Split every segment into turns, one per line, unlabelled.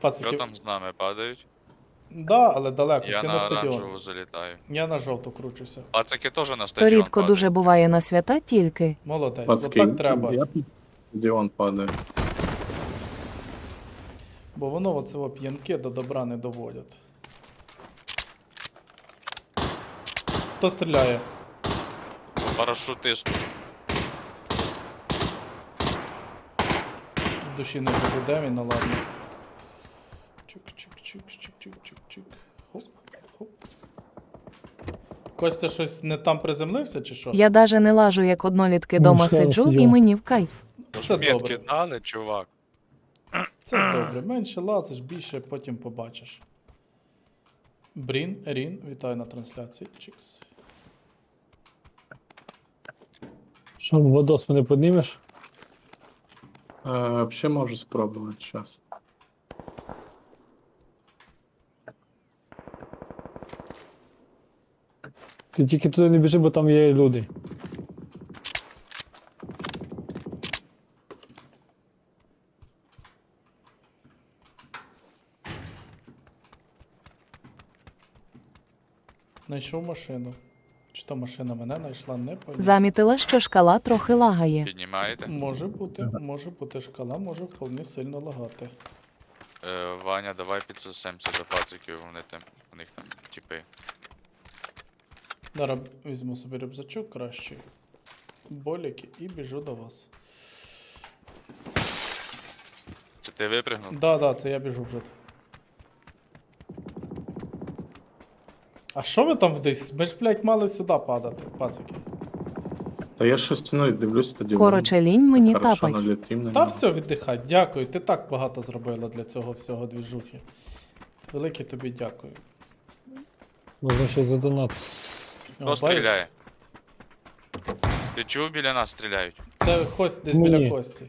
Що
Пацики.
там з нами падають?
Да, але далеко,
Я
всі
на
на стадіон.
оранжеву залітаю.
Я на жовту кручуся.
Пацики теж на
То
стадіон
рідко
падають.
дуже буває на свята тільки.
Молодець,
Пацки,
отак треба.
я тут стадіон падає.
Бо воно оце п'янки до добра не доводять. Хто стріляє?
Парашутист.
В душі не буде він, ну ладно. Чик-чик-чик-чик-чик-чик-чик. Хоп, хоп. Костя щось не там приземлився чи що?
Я даже не лажу, як однолітки дома
ще
сиджу,
сидю.
і мені в кайф.
Це
Метки
добре.
дали, чувак.
Це добре. Менше лазиш, більше потім побачиш. Рін, вітаю на трансляції. Чикс.
Що, Владос, мене піднімеш?
Взагалі можу спробувати зараз.
Ти тільки туди не біжи, бо там є люди.
Знайшов машину. Чи то машина мене знайшла, не пам'ятаю.
Замітила, що шкала трохи лагає.
Піднімаєте?
Може бути шкала, може вполне сильно лагати.
Ваня, давай підсосемся до пациків, у них там типи.
Зараз візьму собі рюкзачок кращий. Боліки і біжу до вас.
Це ти випригнув?
Да, це я біжу вже. А що ви там вдись? Ми ж, блядь, мали сюди падати, пацики.
Та я щось дивлюсь стадіон.
Короче, лінь мені
Хорошо
тапать.
налетим на
Та
нього.
все, віддихай. Дякую, ти так багато зробила для цього всього двіжухи. Велике тобі дякую.
Можна ще задонати.
Хто
Бачиш?
стріляє? Ти чув, біля нас стріляють?
Це кость десь
Ні.
біля кості.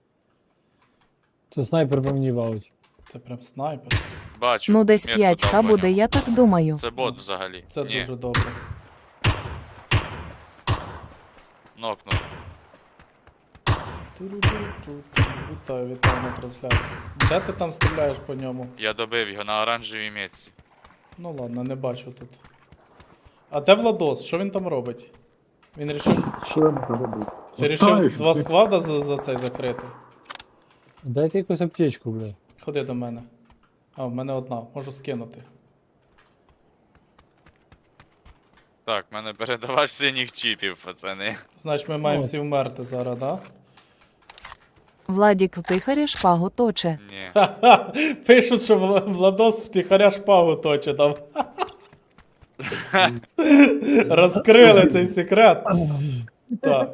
Це снайпер по мені валить.
Це прям снайпер.
Бачу.
Ну десь
метку
5К
дав
буде,
Ваня.
я так думаю.
Це бот взагалі.
Це
Ні,
дуже добре.
нокнув.
Вітаю на трансляції. Де ти там стріляєш по ньому?
Я добив його на оранжевій метці.
Ну ладно, не бачу тут. А де Владос? Що він там робить? Він рішив.
Що я можу робити?
Ти рішив
Мотаюсь,
два
ти.
сквада за цей закрити?
Дайте якусь аптечку, блядь.
Ходи до мене. А, в мене одна, можу скинути.
Так, в мене передавач синіх чіпів, пацани.
Значить, ми маємо
О.
всі вмерти зараз, да?
Владік втихаря шпагу точе.
Ні.
Ха-ха! Пишуть, що Владос втіхаря шпагу точить там. Розкрили цей секрет. Так.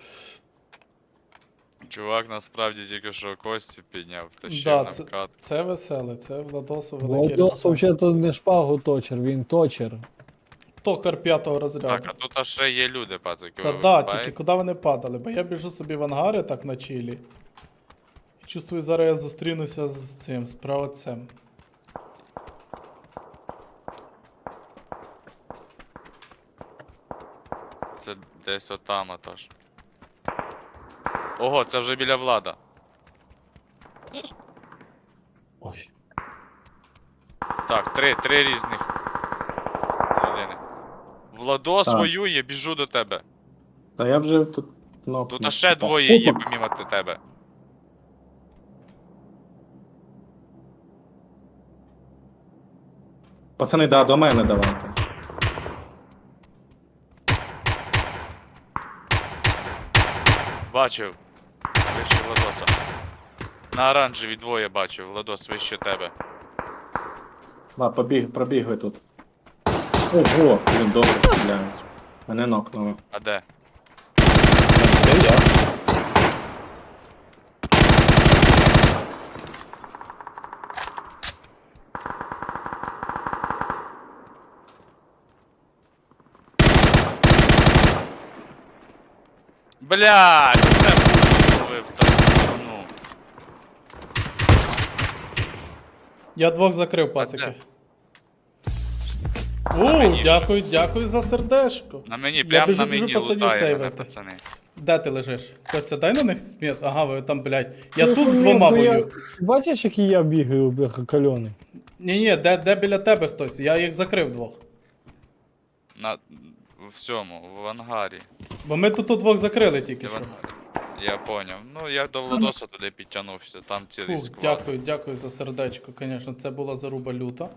Чувак насправді тільки що костю підняв, втащив
Да,
на
це-
вкат.
Це веселе, це Владосу великий
Владос
респект.
взагалі не шпагу точер, він точер.
Токар 5-го
Так,
розряду.
а тут аж ще є люди, пацики.
Та
ви
да,
вибачаєте?
тільки куди вони падали? Бо я біжу собі в ангари так на чилі. І чувствую, зараз я зустрінуся з цим, з правоцем.
Це десь отам отож. Ого, це вже біля влада.
Ой.
Так, три різних людини. Владос
Так.
воює, біжу до тебе.
Та я вже тут нокнув.
Тут аж ще двоє є помімо тебе.
Пацани, да, до мене давайте.
Бачив. Вище Владоса. На оранжеві двоє бачив, Владос вище тебе.
Да, пробігли тут. Ого, блін, добре стріляють. Мене нокнули.
А де?
Де я?
Блядь, це пулю там. Ну.
Я двох закрив, пацики.
На мені
Дякую за сердешко.
На мені,
Я
прям
біжу,
на
біжу
мені
пацанів
лутає мене,
сейвити.
пацани.
Де ти лежиш? Костя, дай на них мет. Ага, ви там, блядь. Я
Ну,
тут з
ні,
двома
бо я-
воюю.
Бачиш, який я бігаю, бляха, кальоний?
Ні-ні, де біля тебе хтось? Я їх закрив двох.
В цьому, в ангарі.
Бо ми тут двох закрили тільки
В
що.
ангарі. Я поняв. Ну, я до Владоса туди підтягнувся, там цілий
Фу,
склад.
дякую за сердечко, звісно, це була заруба люта.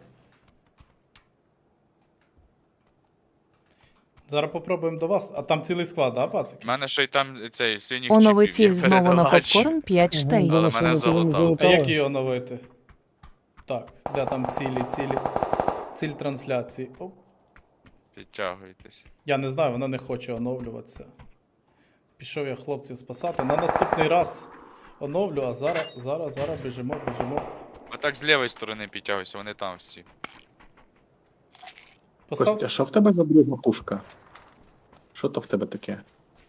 Зараз попробуємо до вас. А там цілий склад, да, пацики?
У мене ще й там цей синій
Онови
чіпів є
ціль знову на
передавач.
попкорн 5 штей.
Але
Думаю, що
мене
вони тебе не
залутали.
А як
залутали.
її оновити? Так, де там ціль трансляції? Оп.
Підтягуйтесь.
Я не знаю, вона не хоче оновлюватися. Пішов я хлопців спасати. На наступний раз оновлю, а зараз біжимо.
А так з лівої сторони підтягуйся, вони там всі.
Постав...
Костя, що в тебе за друга пушка? Що то в тебе таке?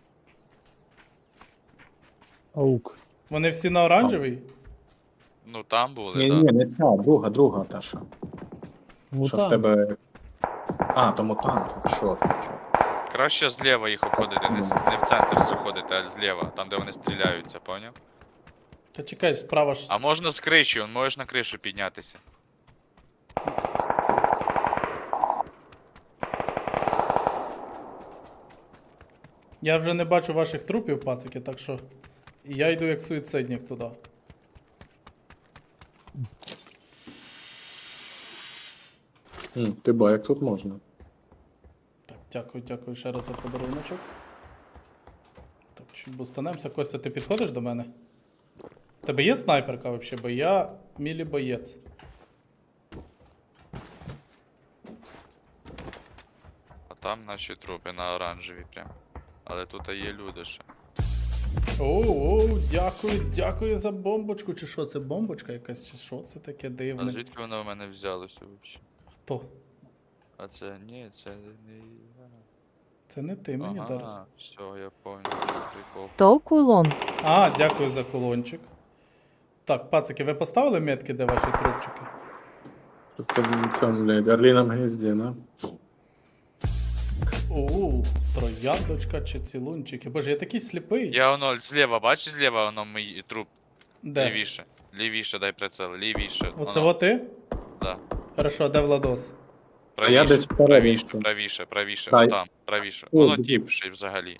Аук.
Вони всі на оранжевій?
Ну там були,
Ні,
так.
ні, не ця, друга та що. Що в
Мутант.
тебе. А, то мутант. Що там? Що?
Краще зліва їх обходити, не в центр заходити, а зліва, там де вони стріляються, поняв?
Та чекай, справа ж.
А можна з криші, можеш на кришу піднятися.
Я вже не бачу ваших трупів, пацики, так що. І я йду як суїцидник туди.
Ти ба, як тут можна?
Так, дякую ще раз за подаруночок. Так, чуть бустанемося. Костя, ти підходиш до мене? Тебе є снайперка взагалі, бо я мілі боєць.
А там наші трупи на оранжевій прям. Але тут є люди ще.
Оу, дякую за бомбочку. Чи що, це бомбочка якась, чи що це таке
А
дивне?
звідки воно в мене взялося взагалі?
Хто?
А це ні, це не я.
Це не ти мені дариш.
Ага, все, я понял, що прикол.
То кулон.
А, дякую за кулончик. Так, пацики, ви поставили метки, де ваші трупчики?
Це в цьому, блядь, орліному гнізді, да?
Оу, трояндочка чи цілунчики. Боже, я такий сліпий.
Я воно зліва, бачиш зліва воно мій труп.
Де?
Лівіше. Лівіше, дай прицел, лівіше.
Оце
Воно,
от ти?
Да.
Хорошо, де Владос?
я десь
правіше,
вперед.
правіше,
Дай.
там, правіше.
О,
Воно
дивись.
тіпше взагалі.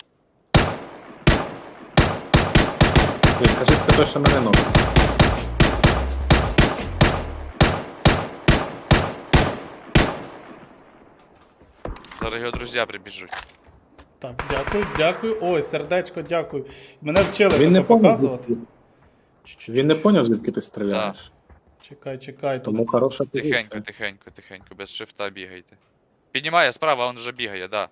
Ні, кажи, це те, що мене ног.
Зараз його друзі прибіжуть.
Так, дякую. Ой, сердечко, дякую. Мене вчили
Він не
таке
поняв,
показувати.
звідки- Він не поняв, звідки ти стріляєш.
Чекай, тут.
Тому хороша позиція.
Тихенько, без шифта бігайте. Піднімає справа, він вже бігає, да.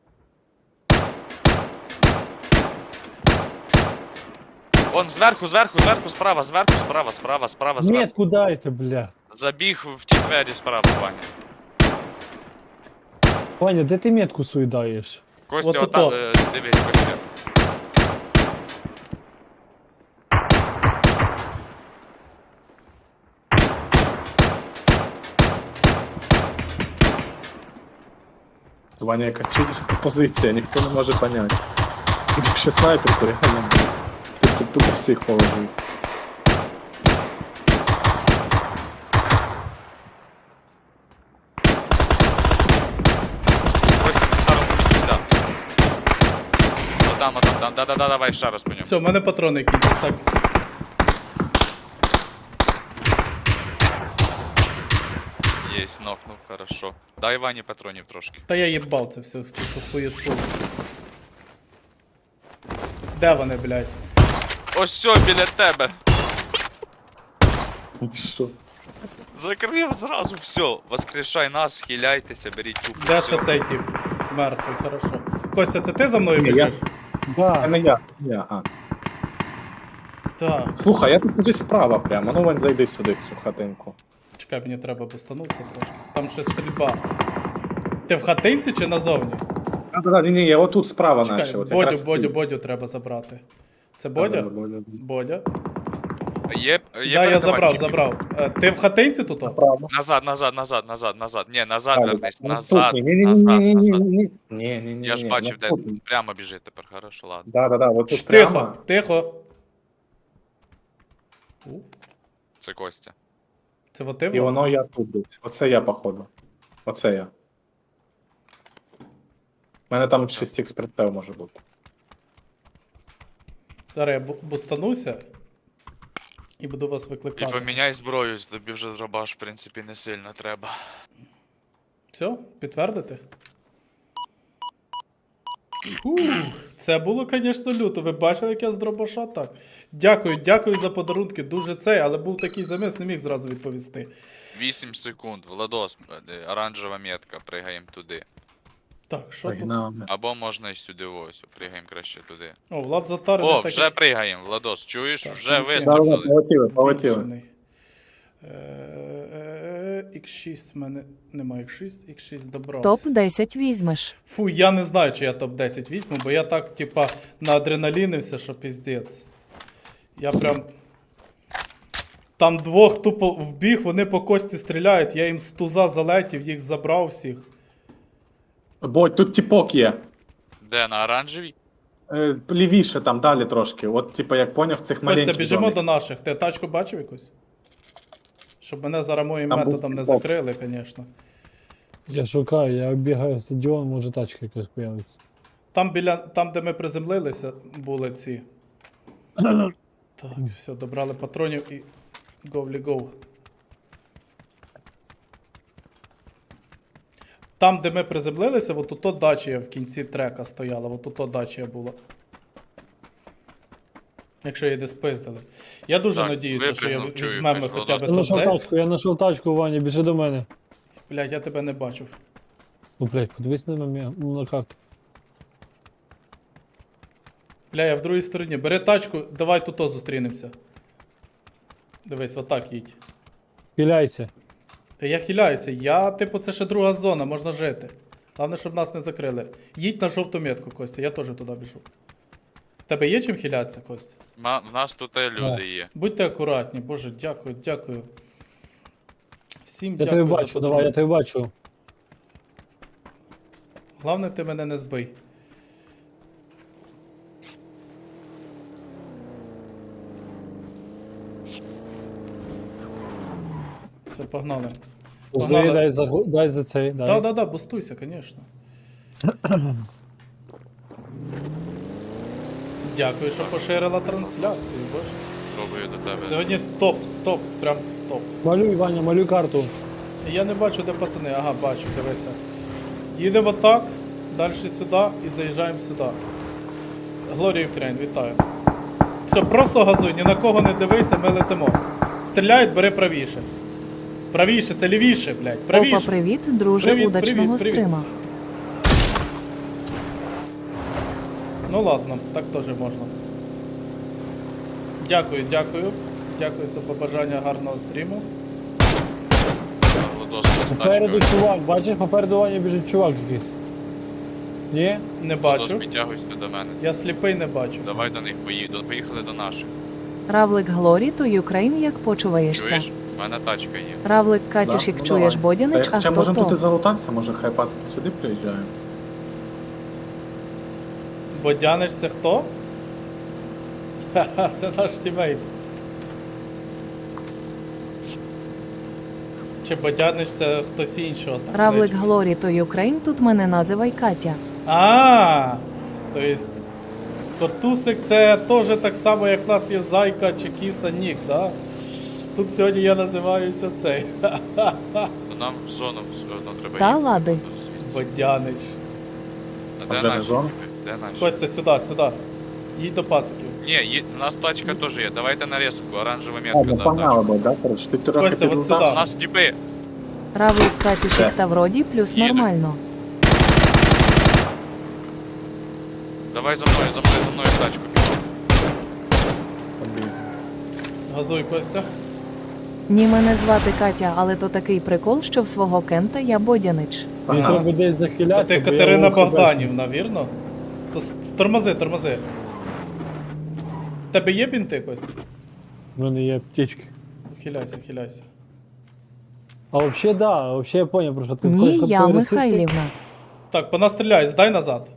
Он зверху, справа, справа.
Метку дайте, бля.
Забіг в ті двері справа, Ваня.
Ваня, де ти метку суїдаєш?
Костя,
От
отам,
ото.
дивись, Костя.
Ваня якась читерська позиція, ніхто не може поняти. Ти б ще снайперку, реально. Ти тут тупо всіх положив.
Костя, на старому місці, да. Отам, да, давай, ще раз по ньому.
Все, в мене патрони кінчать. Так.
Єсть, нокнув, хорошо. Дай Вані патронів трошки.
Та я їбав це все, цю хуєту. Де вони, блядь?
Ось все, біля тебе.
Що?
Закрив зразу, все. Воскрешай нас, хиляйтеся, беріть тупо.
Де
всьо.
ще цей тип? Мертвий, хорошо. Костя, це ти за мною
Ні, я-
біжиш?
Да.
А не я. А.
Так.
Слухай, я тут десь справа прямо. Ну, Вань, зайди сюди, в цю хатинку.
Чекай, мені треба бустанутися трошки. Там ще стрільба. Ти в хатинці чи назовні?
Ні, я отут справа
Чекай,
наче. От якраз ти.
Бодю треба забрати. Це Бодя? Бодя.
Є
Да, я забрав,
передавальчики.
забрав. Ти в хатинці тут?
Направо.
Назад. Ні, назад
Далі.
вернись.
Ну,
Назад.
тут.
Назад.
Ні.
Я ж бачив, де прямо біжить тепер, хорошо, ладно.
Да, вот тут
Тихо,
прямо.
тихо.
Це Костя.
Це вот ти?
І
Влад?
воно я тут десь. Оце я, походу. Оце я. У мене там 6х прицел може бути.
Зараз я бустануся і буду вас
І
викликати.
поміняй зброю, тобі вже дробаш, в принципі, не сильно треба.
Все, підтвердити? Ух, це було, звісно, люто. Ви бачили, як я з дробаша так. Дякую за подарунки, дуже цей, але був такий заміс, не міг зразу відповісти.
8 секунд, Владос, оранжева метка, пригаємо туди.
Так, що тут?
Погнали.
Або можна і сюди ось, пригаємо краще туди.
О, Влад затарений.
О,
так
вже
як-
пригаємо, Владос, чуєш?
Так,
Вже
ну,
вистрілили.
Полетіли.
збільшений. X6 в мене немає X6, X6 добрався.
Топ-10 візьмеш.
Фу, я не знаю, чи я топ-10 візьму, бо я так, типа, наадреналінився, що піздець. Я прям. Там двох тупо вбіг, вони по кості стріляють, я їм з туза залетів, їх забрав всіх.
Бо тут тіпок є.
Де, на оранжевій?
Лівіше там, далі трошки. От, типа, як поняв, цих
Костя,
маленьких
біжимо
зонах.
до наших. Ти тачку бачив якусь? Щоб мене зараз моїм
Там був
методом не
тіпок.
закрили, звісно.
Я шукаю, я оббігаю стадіон, може тачка якась появиться.
Там, де ми приземлилися, були ці. Так, все, добрали патронів і говлі гов. Там, де ми приземлилися, от тут дача в кінці трека стояла, от тут дача була. Якщо її не спиздили. Я дуже
Так,
надіюся, що я
випрыгнув, чую,
візьмемо
якась
хоча б
вода.
Я знайшов
топ-10.
тачку, я знайшов тачку, Ваня, біжи до мене.
Блядь, я тебе не бачив.
Ну, блядь, подивись на карту.
Бля, я в другій стороні. Бери тачку, давай тут зустрінемося. Дивись, отак їдь.
Піляйся.
Та я хиляюся, типу, це ще друга зона, можна жити. Головне, щоб нас не закрили. Їдь на жовту метку, Костя, я теж туди біжу. Тебе є чим хилятися, Костя?
В нас тут і люди є.
Будьте акуратні, боже, дякую. Всім
Я
дякую.
тебе
за
бачу,
подарунок.
давай, я тебе бачу.
Головне, ти мене не збий. Все, погнали. Погнали.
Дай за цей, дай.
Да, бустуйся, звісно. Дякую, що поширила трансляцію, боже.
Пробую до тебе.
Сьогодні топ, прям топ.
Малюй, Ваня, малюй карту.
Я не бачу, де пацани. Ага, бачу, дивися. Їдемо так, далі сюди і заїжджаємо сюди. Глорія Україн, вітаю. Все, просто газуй, ні на кого не дивися, ми летимо. Стріляють, бери правіше. Правіше, це лівіше, блядь.
Опа,
Правіше.
привіт, друже,
Привіт,
удачного
привіт.
стрима.
Ну ладно, так теж можна. Дякую. Дякую за побажання гарного стріму.
Владос з
Попереду
тачкою.
чувак, бачиш, попереду Ваня біжить чувак якийсь. Ні?
Не
Владос,
бачу.
підтягуйся до мене.
Я сліпий не бачу.
Давай до них поїхали до наших.
Равлик Глорі, то Юкрейн, як почуваєшся?
Чуєш? У мене тачка є.
Равлик Катюшик,
Да? Ну,
чуєш
давай.
Бодянич,
Та
а
хоча
хто
можемо тут і
то?
залутатися, може хай пацки сюди приїжджають.
Бодянич це хто? Ха-ха, це наш тімейт. Чи Бодянич це хтось іншого? Так,
Равлик
не-
Глорі, то Юкрейн, тут мене називай Катя.
А, то есть Котусик це теж так само, як в нас є Зайка чи Кіса Нік, да? Тут сьогодні я називаюся цей.
Ну нам в зону все одно треба
Та
їхати.
лади.
Звідси.
Бодянич.
А
А
де
вже не
наші?
зона?
Де наші?
Костя, сюди. Їдь до пациків.
Ні, у нас тачка теж є. Давайте нарізку, оранжева
А,
метка.
ну
да,
погнали би, да, коротше, ти трохи
Костя, от
У
сюди.
нас тіпи.
Равлик Катюшик
Де?
та вроді плюс
Їде.
нормально.
Давай за мною в тачку.
Газуй, Костя.
Ні, мене звати Катя, але то такий прикол, що в свого Кента я Бодянич.
Мені
Ага.
треба десь
Та
захилятися.
ти
бо я
Катерина
вовка бачу.
Богданівна, вірно? То тормози. Тебе є бінти, Костя?
В мене є птички.
Хиляйся, хиляйся.
А вообще да, вообще я понял, про що ти
Ні,
хочеш
я
такої
Михайлівна.
Так, понастріляй, здай назад.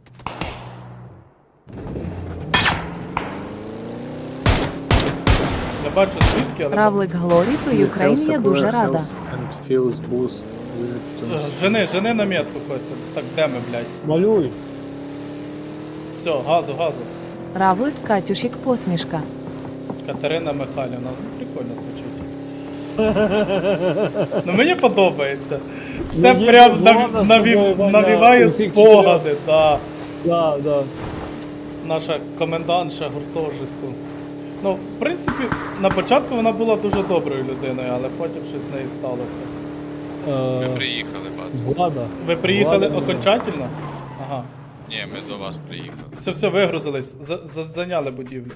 Не бачу звідки, але...
Равлик Глорі, то Україн, я дуже рада.
And feels boost
Жени на метку, Костя. Так, де ми, блядь?
Малюй.
Все, газу, газу.
Равлик Катюшік посмішка.
Катерина Михайлівна. Ну, прикольно звучить. Ну мені подобається. Це
Ну, є
прям
Влада з собою, Ваня,
навіває
усіх
спогади, да.
Да, да.
Наша комендантша гуртожитку. Ну, в принципі, на початку вона була дуже доброю людиною, але потім щось з нею сталося.
Ми приїхали, бац.
Влада.
Ви приїхали
Влада,
окончательно? Ага.
Ні, ми до вас приїхали.
Все, вигрузились, зайняли будівлю.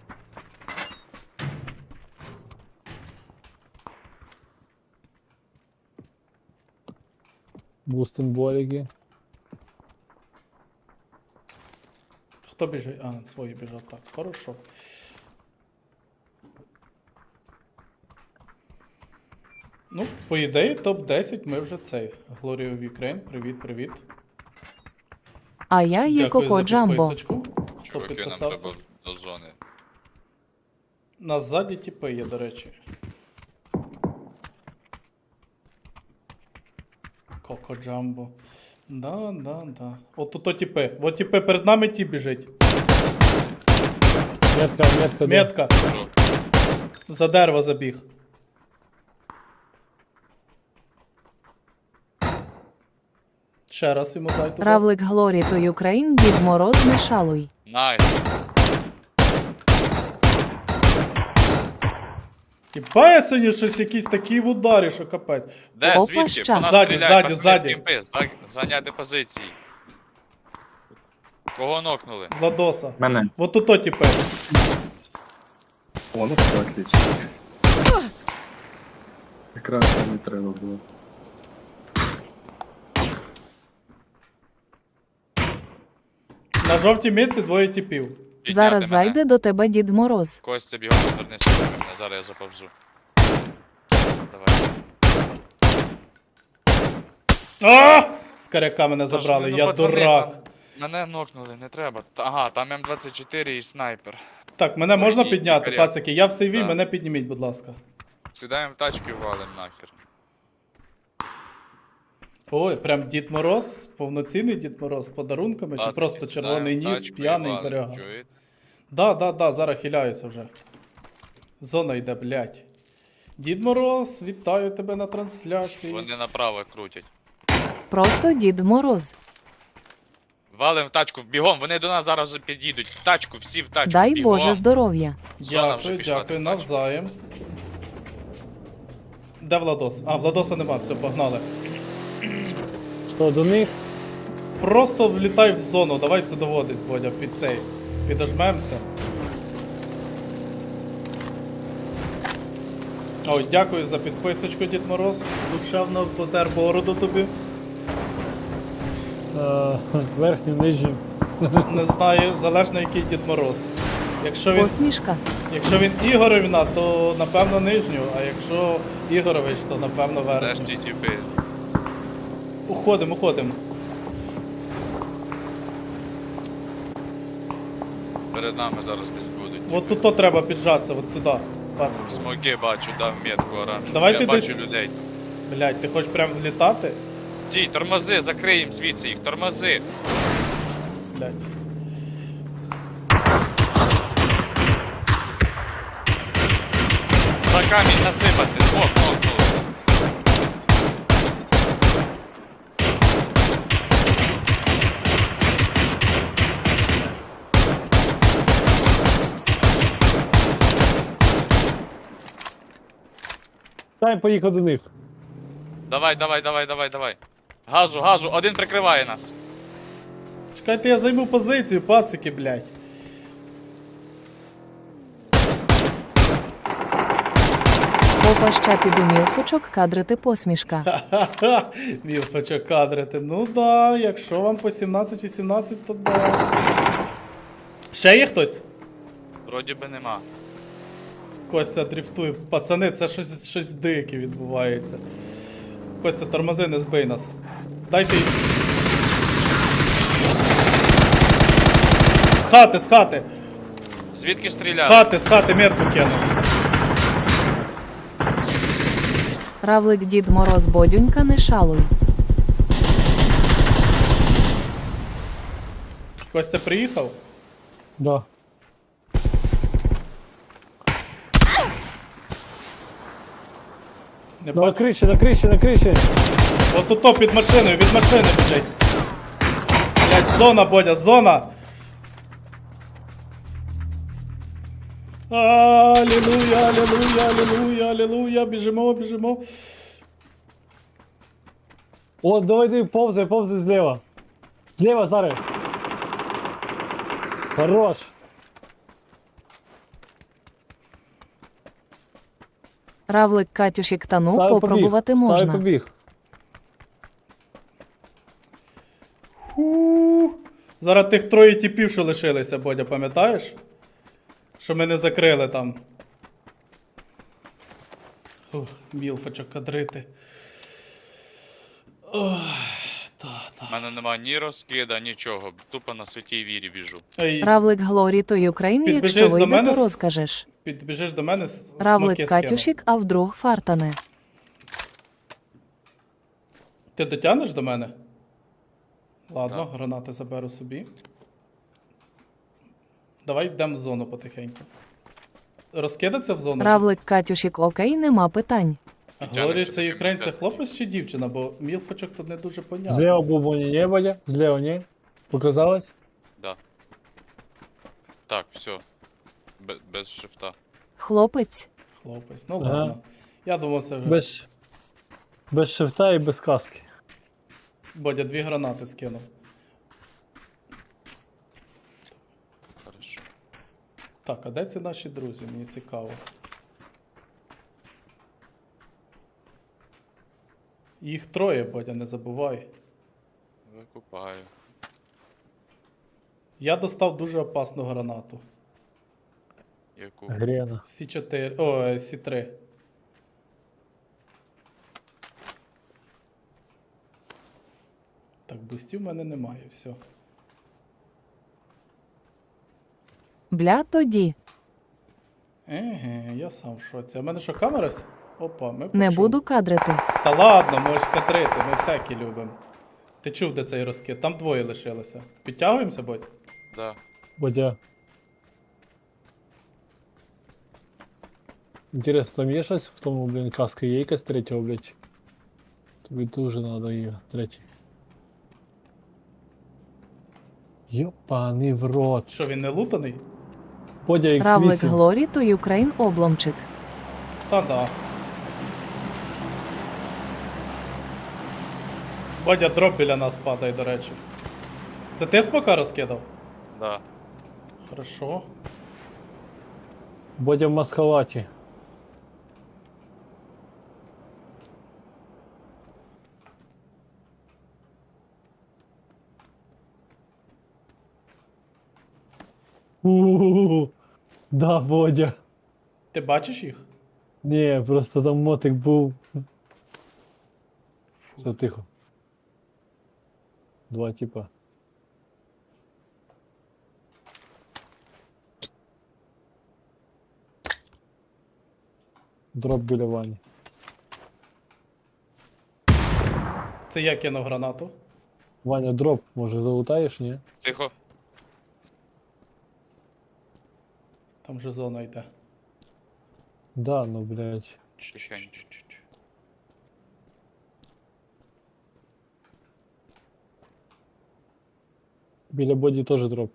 Бустенболіки.
Хто біжить? А, свої біжать. Так, хорошо. Ну, по ідеї, топ-10 ми вже цей. Glory of Ukraine, привіт.
А я є
Дякую
Коко
за
Джамбо.
підписочку. Хто
Чуваки, нам
підписався?
треба до зони.
Нас ззаді тіпи є, до речі. Коко Джамбо. Да. От тут тіпи. От тіпи перед нами ті біжить.
Метка.
Метка.
Що?
За дерево забіг. Ще раз йому дай туди.
Равлик Глорі, то Україн, Дід Мороз, не шалуй.
Найс.
Хіба я сьогодні щось якісь такі в ударі, що капець.
Де,
Опа,
звідки?
щас.
По нас
Ззаді,
стріляють,
ззаді,
пацани,
ззаді.
кімпи, зайняти позиції. Кого нокнули?
Владоса.
Мене.
Вот тут тіпи.
О, ну все, отлично. Якраз мені треба було.
На жовтій мітці двоє тіпів.
Підняти
Зараз
мене.
зайде до тебе Дід Мороз.
Костя, бігом повернися до мене, зараз я заповзу. Давай.
А! З каряка мене
Та ж
забрали,
ви, ну,
я
пацани,
дурак.
там Мене нокнули, не треба. Ага, там М24 і снайпер.
Так, мене можна
і
підняти,
каряк.
пацики? Я в сейві,
Так.
мене підніміть, будь ласка.
Сідаємо в тачки і валим нахер.
Ой, прям Дід Мороз, повноцінний Дід Мороз з подарунками, чи
Пацики,
просто
сідаємо
червоний
в
ніс,
тачку і
п'яний
валим,
берега.
чуєте?
Да, зараз хиляюся вже. Зона йде, блядь. Дід Мороз, вітаю тебе на трансляції.
Вони направо крутять.
Просто Дід Мороз.
Валим в тачку, бігом, вони до нас зараз під'їдуть. В тачку, всі в тачку,
Дай
бігом.
Боже здоров'я.
Зона вже
Дякую,
пішла
дякую,
до тачки.
навзаєм. Де Владос? А, Владоса нема, все, погнали.
Що, до них?
Просто влітай в зону, давай сюди водись, Бодя, під цей. Підожмемося. Ой, дякую за підписочку, Дід Мороз. Душевно потер бороду тобі.
Верхню, нижню.
Не знаю, залежно який Дід Мороз.
Посмішка.
Якщо він Ігоревна, то напевно нижню, а якщо Ігорович, то напевно
Де ж
верхню.
ті тіпи?
Уходимо.
Перед нами зараз десь будуть.
От тут то треба піджатися, от сюди. Пацик.
Смоки бачу, дав метку оранжеву.
Давайте
Я бачу
десь-
людей.
Блять, ти хочеш прям влітати?
Дій, тормози, закриємо звідси їх, тормози.
Блять.
За камінь насипати, смок, нокнули.
Дай поїхав до них.
Давай. Газу, один прикриває нас.
Чекайте, я займу позицію, пацики, блять.
Опа ще піду мілфочок, кадрити посмішка.
Ха-ха-ха, мілфочок кадрити. Ну да, якщо вам по 17-18, то да. Ще є хтось?
Вроді би нема.
Костя дрифтує. Пацани, це щось дике відбувається. Костя, тормози, не збий нас. Дайте їм. З хати, з хати!
Звідки
З
стріляли?
хати метку кинув.
Равлик Дід Мороз Бодюнька, не шалуй.
Костя приїхав?
Да.
Не
На
бачу.
криші, на криші, на криші.
От тут то під машиною, від машини біжить. Блять, зона, Бодя, зона! Алілуя, алілуя, алілуя, алілуя, біжимо, біжимо.
О, давай ти повзай, повзай зліва. Зліва, зараз. Хорош.
Равлик Катюшік, та ну,
Стави
попробувати
побіг. Стави
можна.
побіг.
Зараз тих троє тіпів, що лишилися, Бодя, пам'ятаєш? Що ми не закрили там. Ух, мілфочок кадрити. Ох,
У мене нема ні розкида, нічого. Тупо на святій вірі біжу.
Ей,
Равлик Глорі той Україні,
Підбіжиш
якщо
до
вийде,
мене
то
з-
розкажеш.
підбіжиш до мене, смоки
Равлик
скину.
Катюшік, а вдруг фартане.
Ти дотягнеш до мене? Ладно,
Так.
гранати заберу собі. Давай йдемо в зону потихеньку. Розкидаться в зону? чи-
Равлик Катюшік, окей, нема питань.
Глорі,
чи
це
таке
українця
підказки?
хлопець чи дівчина, бо мілфочок тут не дуже понятно.
Зліва бубоні не буде, зліва ні. Показалось?
Да. Так, все. Без шифта.
Хлопець.
Хлопець, ну
Ага.
ладно. Я думав, це вже.
Без шифта і без каски.
Бодя 2 гранати скинув.
Хорошо.
Так, а де ці наші друзі? Мені цікаво. Їх троє, Бодя, не забувай.
Викупаю.
Я достав дуже опасну гранату.
Яку?
Грена.
С4. О, С3. Так, бустів в мене немає, все.
Бля, тоді.
Еге, я сам в шоці. А в мене що, камера? Опа, ми
Не
почули.
буду кадрити.
Та ладно, можеш кадрити, ми всякі любимо. Ти чув, де цей розкид? Там двоє лишилося. Підтягуємося, Бодь?
Да.
Бодя. Інтересно, там є щось в тому, блін, каска є якась третього, блядь? Тобі дуже надо її, третій. Йопаний в рот.
Що, він не лутаний?
Бодя X8.
Равлик Глорі той Україн обломчик.
Та да. Бодя, дроп біля нас падає, до речі. Це ти смока розкидав?
Да.
Хорошо.
Бодя в маскалаті. У-у-у. Да, Бодя.
Ти бачиш їх?
Ні, просто там мотик був. Все тихо. Два типа. Дроп біля Вані.
Це я кинув гранату.
Ваня, дроп, може залутаєш, ні?
Тихо.
Там же зона йде.
Да, ну блядь.
Тихенько.
Біля боді теж дроп.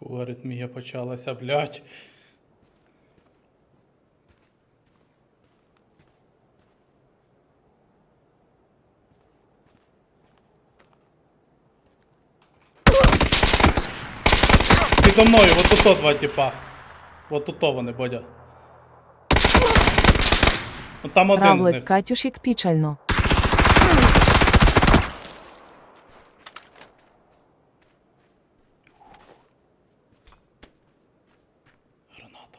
Фу, аритмія почалася, блядь. Підо мною, вот тут два типа. Вот тут вони, Бодя. От там один з
Равлик
них.
Катюшік пічально.
Граната.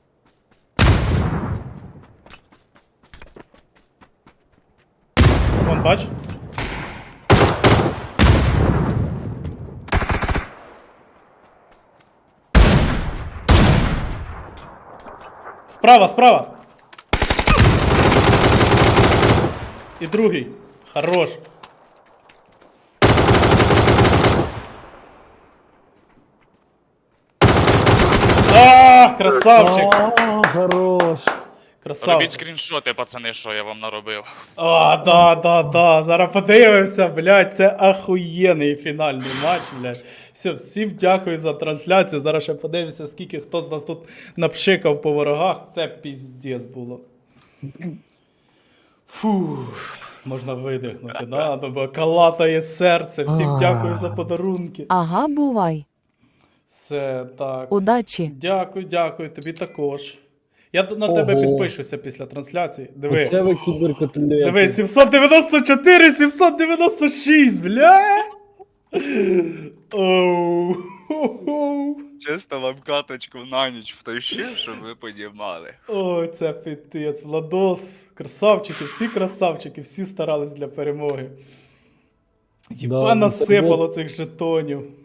Вон, бач? Справа, справа! І другий. Хорош. Красавчик!
Хорош.
Робіть
Красавчик.
скріншоти, пацани, що я вам наробив.
Да. Зараз подивимося, блядь, це ахуєнний фінальний матч, блядь. Все, всім дякую за трансляцію. Зараз ще подивимося, скільки хто з нас тут напшикав по ворогах. Це піздець було. Фу. Можна видихнути, да? Ну, бо калатає серце. Всім дякую за подарунки.
Ага, бувай.
Все, так.
Удачі.
Дякую, тобі також. Я на тебе
Ого.
підпишуся після трансляції. Диви.
Оце ви кіберкотлети.
Диви, 794, 796, бля! Оу.
Чисто вам каточку на ніч втащив, щоб ви понімали.
Ой, це пітець, Владос, красавчики, всі красавчики, всі старались для перемоги. Єба
Да, ну це
насипало
було-
цих жетонів.